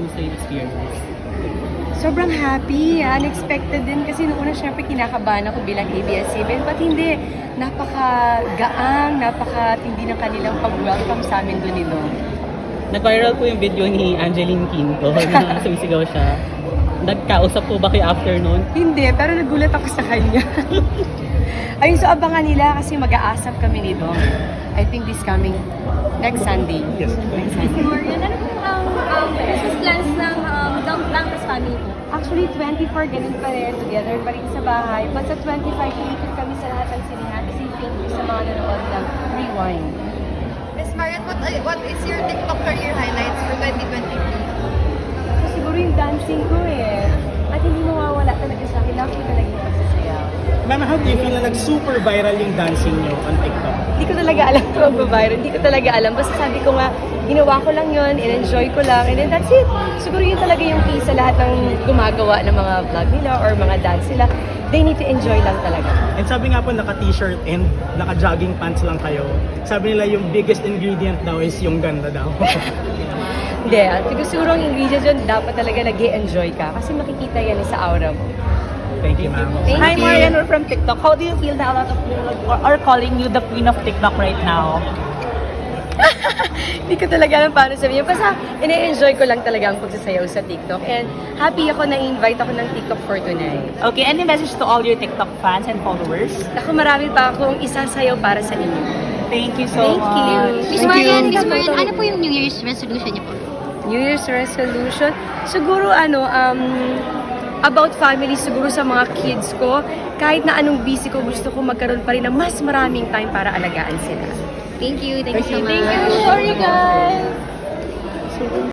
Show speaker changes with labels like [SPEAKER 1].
[SPEAKER 1] Kamusta yung experience?
[SPEAKER 2] Sobrang happy, unexpected din kasi noong una syempre kinakabahan ako bilang ABS-CBN, but hindi, napaka-gaang, napaka-tindi ng kanilang pag-welcome sa amin doon nito.
[SPEAKER 1] Nag-viral po yung video ni Angeline Quinto na sumisigaw siya. Nagkausap po ba kayo after nun?
[SPEAKER 2] Hindi, pero nagulat ako sa kanya. Ayun, so abangan nila kasi mag-aasap kami nito. I think this coming next Sunday.
[SPEAKER 3] Yes.
[SPEAKER 2] Next Sunday.
[SPEAKER 4] Marian, ano po ang business plans ng Dantas family po?
[SPEAKER 2] Actually, 24, ganun pa rin. Together pa rin sa bahay. But sa 25, iikot kami sa lahat ng sinihan. Kasi thank you sa mga nanonood ng Rewind.
[SPEAKER 4] Miss Marian, what is your TikTok career highlights for 2023?
[SPEAKER 2] So, siguro yung dancing ko eh. At hindi mawawala talaga sa akin. Love ko talaga yung pagsasayaw.
[SPEAKER 3] Ma'am, how do you feel na nag-super viral yung dancing nyo on TikTok?
[SPEAKER 2] Hindi ko talaga alam kung magbabiral. Hindi ko talaga alam. Basta sabi ko nga, ginawa ko lang yun, in-enjoy ko lang, and then that's it. Siguro yun talaga yung key sa lahat ng gumagawa ng mga vlog nila or mga dance nila. They need to enjoy lang talaga.
[SPEAKER 3] And sabi nga po, naka-t-shirt and naka-jogging pants lang kayo. Sabi nila yung biggest ingredient daw is yung ganda daw.
[SPEAKER 2] Hindi, siguro ang ingredients yun, dapat talaga nag-enjoy ka. Kasi makikita yan sa aura mo.
[SPEAKER 3] Thank you, ma'am.
[SPEAKER 2] Thank
[SPEAKER 5] Hi
[SPEAKER 2] you.
[SPEAKER 5] Marian, we're from TikTok. How do you feel that a lot of people are calling you the queen of TikTok right now?
[SPEAKER 2] Hindi ko talaga alam paano sabihin. Basta, ine-enjoy ko lang talaga ang pagsasayaw sa TikTok. And happy ako na invite ako ng TikTok for tonight.
[SPEAKER 5] Okay, any message to all your TikTok fans and followers?
[SPEAKER 2] Ako marami pa akong isasayaw para sa inyo.
[SPEAKER 5] Thank you so
[SPEAKER 2] Thank
[SPEAKER 5] much.
[SPEAKER 2] you.
[SPEAKER 4] Miss Marian, ano po yung New Year's resolution niyo po?
[SPEAKER 2] New Year's resolution? Siguro about family, siguro sa mga kids ko. Kahit na anong busy ko, gusto ko magkaroon pa rin ng mas maraming time para alagaan sila.
[SPEAKER 4] Thank you so much.
[SPEAKER 5] Thank you. Sorry guys.